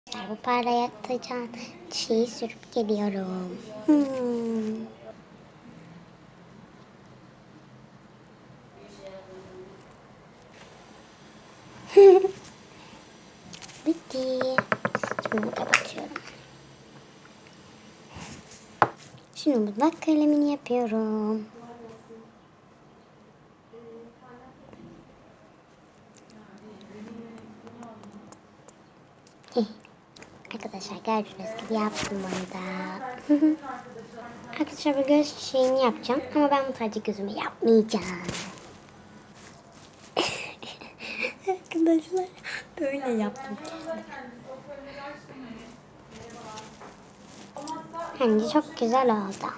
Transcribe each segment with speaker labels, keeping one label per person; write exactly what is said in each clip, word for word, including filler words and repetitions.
Speaker 1: Bu parlatacağım şeyi sürüp geliyorum. Hmm. Bitti. Şimdi kapatıyorum. Şimdi bundan kalemini yapıyorum. Arkadaşlar gördüğünüz gibi yaptım bunu da. Arkadaşlar bu göz şeyini yapacağım ama ben bu sadece gözümü yapmayacağım. Arkadaşlar öyle yaptım. Bence çok güzel oldu.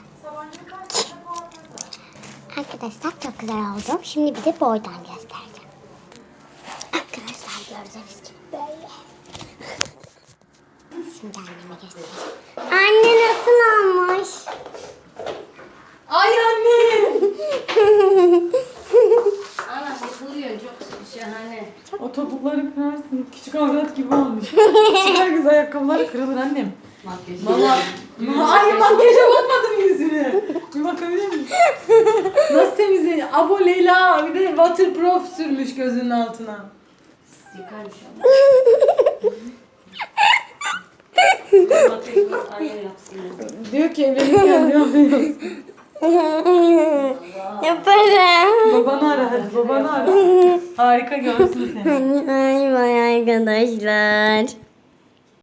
Speaker 1: Arkadaşlar çok güzel oldu. Şimdi bir de boydan göstereceğim. Arkadaşlar gördüğünüz gibi böyle. Şimdi anneme göstereceğim. Anne nasıl olmuş?
Speaker 2: Ay anne. Ana yıkılıyor çok şahane.
Speaker 3: O topukları kırarsın. Küçük avrat gibi olmuş. Süper güzel ayakkabıları kırılır annem.
Speaker 2: Makyaj.
Speaker 3: Valla. Ay makyaja bakmadım yüzüne. Bir bakabilir miyim? Nasıl temizleniyor? Abo Leyla bir de waterproof sürmüş gözünün altına.
Speaker 2: Yıkarmış ama. Makyaj anne yapsın.
Speaker 3: Diyor ki evlenirken ne yapıyorsun?
Speaker 1: Yaparım.
Speaker 3: Babanı ara hadi babanı ara. Harika görsün seni.
Speaker 1: Ay vay arkadaşlar.